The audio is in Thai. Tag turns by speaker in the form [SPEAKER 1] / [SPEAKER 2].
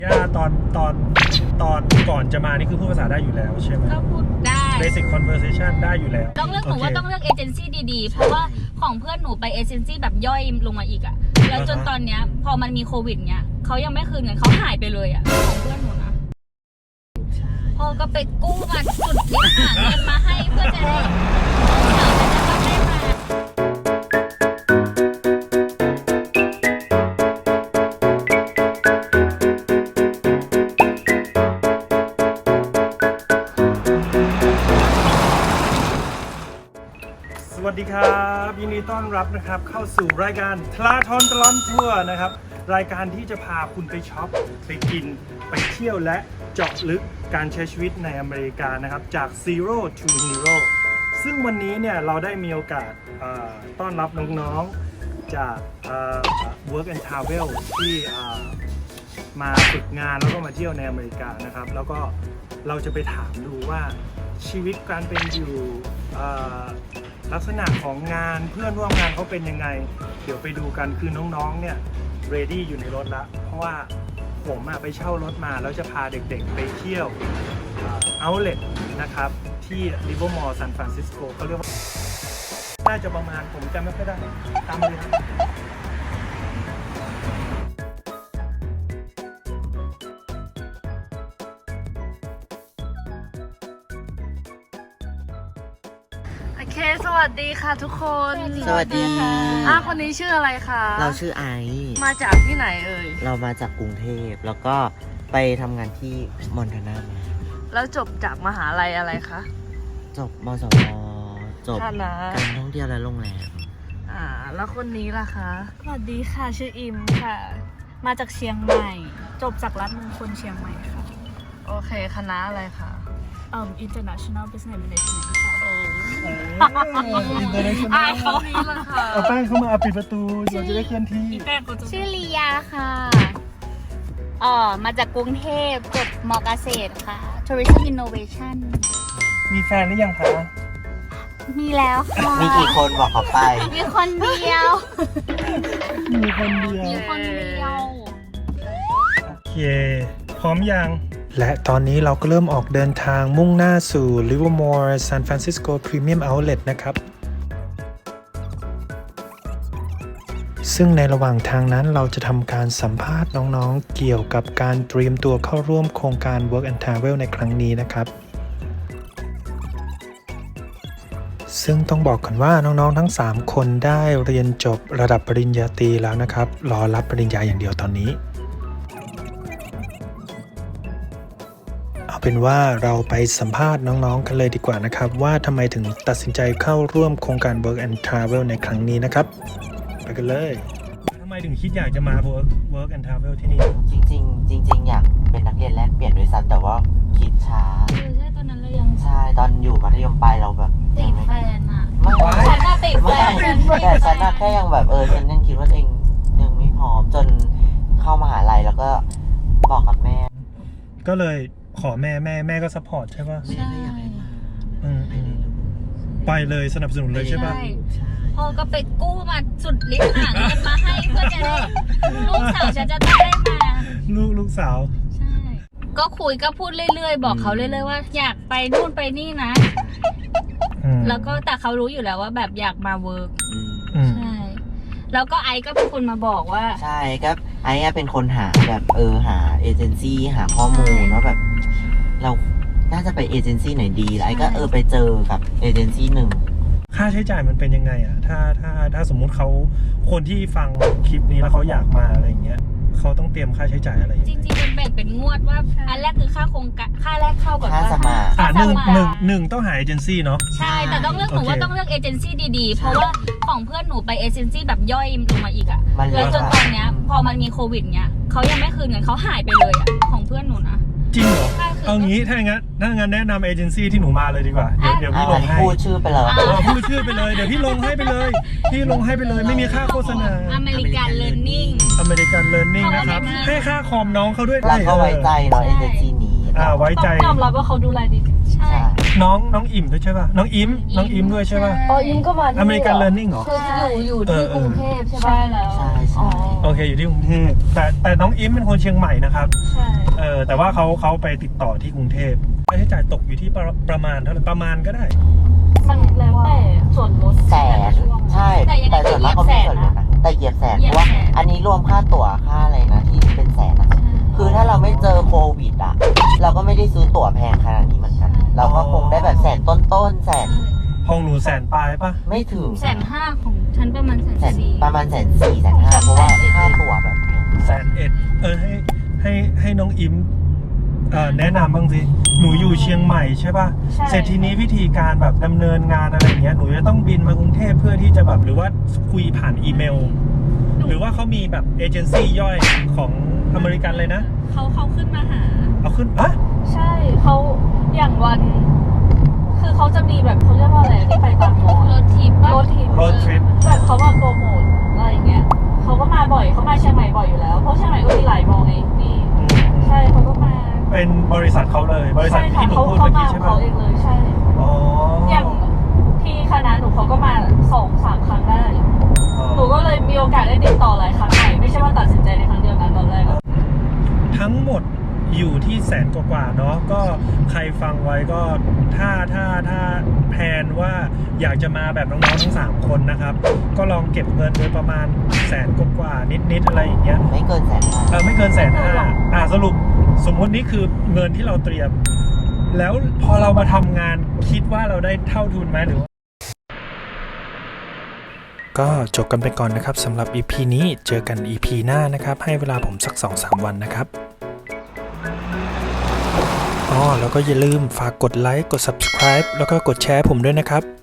[SPEAKER 1] ย่าตอนก่อนจะมานี่คือพูดภาษาได้อยู่แล้วใช่ไหม
[SPEAKER 2] ก็พูดได้
[SPEAKER 1] Basic conversation ได้อยู่แล้ว
[SPEAKER 2] ต้องเลือกหนูว่าต้องเลือกเอเจนซี่ดีๆเพราะว่าของเพื่อนหนูไปเอเจนซี่แบบย่อยลงมาอีกอะแล้วจนตอนเนี้ยพอมันมีโควิดเนี้ยเขายังไม่คืนเงินเขาหายไปเลยอะของเพื่อนหนูนะพ่อก็ไปกู้มาจุดที่หาเงินมาให้เพื่อจะได้
[SPEAKER 1] สวัสดีครับยินดีต้อนรับนะครับเข้าสู่รายการทลาทอนตลอดทัวร์นะครับรายการที่จะพาคุณไปช็อปไปกินไปเที่ยวและเจาะลึกการใช้ชีวิตในอเมริกานะครับจาก Zero to Hero ซึ่งวันนี้เนี่ยเราได้มีโอกาสต้อนรับน้องๆจากWork and Travel ที่มาฝึกงานแล้วก็มาเที่ยวในอเมริกานะครับแล้วก็เราจะไปถามดูว่าชีวิตการเป็นอยู่ลักษณะของงานเพื่อนร่วมงานเขาเป็นยังไงเดี๋ยวไปดูกันคือน้องๆเนี่ยเรดี้อยู่ในรถละเพราะว่าผมไปเช่ารถมาแล้วจะพาเด็กๆไปเที่ยวoutlet นะครับที่ริเวอร์มอลล์ซานฟรานซิสโกเขาเรียกว่าน่าจะประมาณผมจำไม่ค่อยได้ตามเลยครับ
[SPEAKER 3] โอเคสวัสดีค่ะทุกคน
[SPEAKER 4] สวัสดีค่ะ
[SPEAKER 3] คนนี้ชื่ออะไรคะ
[SPEAKER 4] เราชื่อไอซ์
[SPEAKER 3] มาจากที่ไหนเอ่ย
[SPEAKER 4] เรามาจากกรุงเทพแล้วก็ไปทำงานที่มอนทานามา
[SPEAKER 3] แล้วจบจากมหาลัยอะไรคะ
[SPEAKER 4] จบมสวจบ
[SPEAKER 3] คณะ
[SPEAKER 4] การท่องเที่ยวและโรงแรม
[SPEAKER 3] แล้วคนนี้ล่ะคะ
[SPEAKER 5] สวัสดีค่ะชื่ออิมค่ะ มาจากเชียงใหม่ จบจากรัฐมงคลเชียงใหม่ค่ะ
[SPEAKER 3] โอเคคณะอะไรคะ
[SPEAKER 5] International Business Management ค่ะ
[SPEAKER 3] เขานี้ล่ะค่ะ
[SPEAKER 1] เอาแป้งเข้ามาปิดประตูเราจะได้เคลื่อนที่
[SPEAKER 2] ชื่อลียาค่ะมาจากกรุงเทพจบมเกษตรค่ะ Tourism Innovation
[SPEAKER 1] มีแฟนหรือยังคะ
[SPEAKER 2] มีแล้วค่ะ
[SPEAKER 4] มีกี่คนบอกเขาไป
[SPEAKER 2] มีคนเดียว
[SPEAKER 1] มีคนเดียว
[SPEAKER 2] มีคนเดียว
[SPEAKER 1] โอเคพร้อมยังและตอนนี้เราก็เริ่มออกเดินทางมุ่งหน้าสู่ Livermore San Francisco Premium Outlet นะครับซึ่งในระหว่างทางนั้นเราจะทำการสัมภาษณ์น้องๆเกี่ยวกับการเตรียมตัวเข้าร่วมโครงการ Work and Travel ในครั้งนี้นะครับซึ่งต้องบอกก่อนว่าน้องๆทั้ง3คนได้เรียนจบระดับปริญญาตรีแล้วนะครับรอรับปริญญาอย่างเดียวตอนนี้เอาเป็นว่าเราไปสัมภาษณ์น้องๆกันเลยดีกว่านะครับว่าทำไมถึงตัดสินใจเข้าร่วมโครงการ Work and Travel ในครั้งนี้นะครับไปกันเลยทำไมถึงคิดอยากจะมา Work and Travel ที่นี่
[SPEAKER 4] จริงอยากเป็นนักเรียนแลกเปลี่ยนด้วยซ้ำแต่ว่าคิดช้า
[SPEAKER 2] ใช่ตอนนั้นเรายัง
[SPEAKER 4] ใช่ตอนอยู่มัธยมปลายเราแบบ
[SPEAKER 2] ติดแฟนอะ
[SPEAKER 4] ไม่
[SPEAKER 2] ฉันน่ะติดแฟน
[SPEAKER 4] แต่ฉันแค่ยังแบบฉันยังคิดว่าตัวเองยังไม่พร้อมจนเข้ามหาลัยแล้วก็บอกกับแม่
[SPEAKER 1] ก็เลยขอแม่ก็ซัพพอร์ตใช่ป่ะ
[SPEAKER 4] แม่ก็อยากให้มา
[SPEAKER 1] ไปเลยสนับสนุนเลยใช่ป่ะ
[SPEAKER 2] พ่อก็ไปกู้มาสุดฤทธิ์หาเงินมาให้เพื่อจะได้ลูกสาวฉันจะได้มา
[SPEAKER 1] ลูกสาว
[SPEAKER 2] ใช่ก็คุยก็พูดเรื่อยๆบอกเขาเรื่อยๆว่าอยากไปนู่นไปนี่นะแล้วก็แต่เขารู้อยู่แล้วว่าแบบอยากมาเวิร์กใช่แล้วก็ไอซ์ก็เป็นคนมาบอกว่า
[SPEAKER 4] ใช่ครับไอ้เป็นคนหาแบบหาเอเจนซี่หาข้อมูลว่าแบบเราน่าจะไปเอเจนซี่ไหนดีแล้วไอ้ก็ไปเจอกับเอเจนซี่หนึ่ง
[SPEAKER 1] ค่าใช้จ่ายมันเป็นยังไงอ่ะถ้าสมมุติเขาคนที่ฟังคลิปนี้แล้วเขาอยากมาอะไรเงี้ยเขาต้องเตรียมค่าใช้จ่ายอะไร
[SPEAKER 2] จริงๆมันแบ่งเป็นงวดว่าอันแรกคือค่าโครงการค่าแรกเข้าก่อน
[SPEAKER 4] ค่าสมัคร
[SPEAKER 1] หนึ่งต้องหาเอเจนซี่เนาะ
[SPEAKER 2] ใช่แต่ต้องเลือกหนูว่าต้องเลือกเอเจนซี่ดีๆเพราะว่าของเพื่อนหนูไปเอเจนซี่แบบย่อยลงมาอีกอะแล้วจนตอนเนี้ยพอมันมีโควิดเนี้ยเขายังไม่คืนเงินเขาหายไปเลยอะของเพื่อนหนูนะ
[SPEAKER 1] จริงเหรอเอางี้ถ้างั้นแนะนำเอเจนซี่ที่หนูมาเลยดีกว่าเดี๋ยวพี่ลงให้
[SPEAKER 4] พูดชื่อไปเลย
[SPEAKER 1] พูดชื่อไปเลยเดี๋ยวพี่ลงให้ไปเลยไม่มีค่าโฆษณา
[SPEAKER 2] อเมริกันเลิร์นนิ่ง
[SPEAKER 1] นะครับให้ค่าคอมน้องเขาด้วย
[SPEAKER 4] แล้วก็ไว้ใจเนาะเอเจนซี่นี้
[SPEAKER 1] ไว้ใจ
[SPEAKER 5] ยอมรับว่าเขาดูแลดี
[SPEAKER 2] ใช่
[SPEAKER 1] น้องอิ่มด้วยใช่ป่ะน้องอิมด้วยใช่ป่ะ
[SPEAKER 5] อิมก็มาที่
[SPEAKER 1] อเมริกันเลิร์นนิ่งเหรอ
[SPEAKER 5] คืออยู่ที่กรุงเทพใช่ป่ะใช่แล้ว
[SPEAKER 4] ใช่
[SPEAKER 1] โอเคอยู่ที่กรุงเทพแต่น้องอิมเป็นคนเชียงใหม่นะครับ
[SPEAKER 5] ใช่
[SPEAKER 1] แต่ว่าเขาไปติดต่อที่กรุงเทพค่าใช้จ่ายตกอยู่ที่ประมาณเท่าไหร่ประมาณก็ได้
[SPEAKER 5] มันแล้วแต่ส่วนลด
[SPEAKER 4] แสนใช่
[SPEAKER 2] แต่ยังไง
[SPEAKER 4] แต่ส่วนมากเขาไม่ส่วนลดนะแต่เหยียบแสน
[SPEAKER 2] เหยี
[SPEAKER 4] เพ
[SPEAKER 2] ยบ
[SPEAKER 4] ราะว่า
[SPEAKER 2] แสน
[SPEAKER 4] อันนี้รวมค่าตั๋วค่าอะไรนะที่เป็นแสนอะคือถ้าเราไม่เจอโควิดอะเราก็ไม่ได้ซื้อตั๋วแพงขนาดนี้เหมือนกัน เราก็คงได้แบบแสนต้นๆแสน
[SPEAKER 1] ห้องหนูแสนปลายปะ
[SPEAKER 4] ไม่ถึง
[SPEAKER 2] 150,000ของฉันประมาณ
[SPEAKER 4] แสน
[SPEAKER 2] 140,000
[SPEAKER 4] ประมาณแสนสี่แสนห้าเพราะว่าค่าตั๋วแบบแพง
[SPEAKER 1] 101,000ให้น้องอิมแนะนำบ้างสิหนูอยู่เชียงใหม่ใช่ปะ
[SPEAKER 5] ใช่
[SPEAKER 1] เสร็จทีนี้วิธีการแบบดำเนินงานอะไรเงี้ยหนูจะต้องบินมากรุงเทพเพื่อที่จะแบบหรือว่าคุยผ่านอีเมล หรือว่าเขามีแบบเอเจนซี่ย่อยของอเมริกันเลยนะ
[SPEAKER 2] เขาขึ้นมาหา
[SPEAKER 1] เอาขึ้นอะ
[SPEAKER 5] ใช่เขาอย่างวัน คือเขาจะมีแบบเขาเรียกว่าอะไรที่ไปตามมอ
[SPEAKER 2] รถทิปปะ
[SPEAKER 5] รถทิป
[SPEAKER 1] รถทริป
[SPEAKER 5] แบบเขามาโปรโมทอะไรอย่างเงี้ยเขาก็มาบ่อยเขามาเชียงใหม่บ่อยอยู่แล้วเพราะเชียงใหม่ก็มีหลายมอไงนี่ใช่เขาก็มา
[SPEAKER 1] เป็นบริษัทเขาเลยบริษัท
[SPEAKER 5] ใช่ค่ะ
[SPEAKER 1] ที่หนู
[SPEAKER 5] เขา
[SPEAKER 1] พูด
[SPEAKER 5] เขา
[SPEAKER 1] เมื่อ
[SPEAKER 5] มา
[SPEAKER 1] กี้
[SPEAKER 5] ขอ
[SPEAKER 1] ใช่
[SPEAKER 5] ง
[SPEAKER 1] ปะ
[SPEAKER 5] เขาเองเลยใช่
[SPEAKER 1] อ๋อ
[SPEAKER 5] อย่างที่คณะหนูเขาก็มา 2-3 ครั้งได้
[SPEAKER 1] อ๋อ
[SPEAKER 5] หนูก็เลยมีโอกาสได้ติดต่อหลายครั้งใหม่ไม่ใช่ว่าตัดสินใจในครั้งเดียวกันตอนแรกอะ
[SPEAKER 1] ทั้งหมดอยู่ที่แสนกว่าๆเนาะก็ใครฟังไว้ก็ถ้าแพลนว่าอยากจะมาแบบน้องๆทั้ง3คนนะครับก็ลองเก็บเงินโดยประมาณแสนกว่าๆนิดๆอะไรอย่างเงี้ย
[SPEAKER 4] ไม่เกินแสนห้า
[SPEAKER 1] ไม่เกิน150,000สรุปสมมุตินี่คือเงินที่เราเตรียม แล้วพอเรามาทำงานคิดว่าเราได้เท่าทุนไหมหรือว่าก็จบกันไปก่อนนะครับสำหรับ EP นี้เจอกัน EP หน้านะครับให้เวลาผมสัก 2-3 วันนะครับแล้วก็อย่าลืมฝากกดไลค์กด Subscribe แล้วก็กดแชร์ผมด้วยนะครับ